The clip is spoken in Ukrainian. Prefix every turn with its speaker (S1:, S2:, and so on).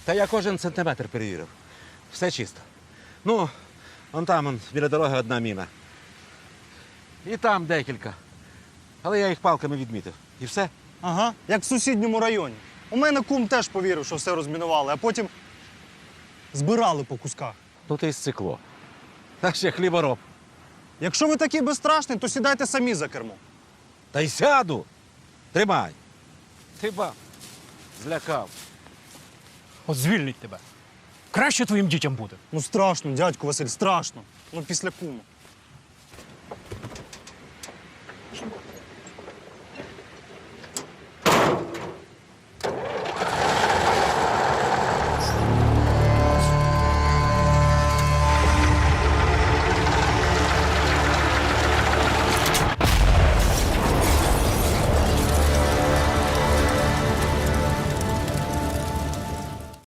S1: Та я кожен сантиметр перевірив. Все чисто. Ну, вон там, біля дороги одна міна. І там декілька. Але я їх палками відмітив. І все.
S2: Ага, як в сусідньому районі. У мене кум теж повірив, що все розмінували, а потім збирали по кусках.
S1: Ну ти й стекло. Та ще хлібороб.
S2: Якщо ви такий безстрашний, то сідайте самі за кермо.
S1: Та й сяду. Тримай. Ти ба. Злякав.
S3: От звільнить тебе. Краще твоїм дітям буде.
S2: Ну страшно, дядько Василь, страшно. Ну після кума.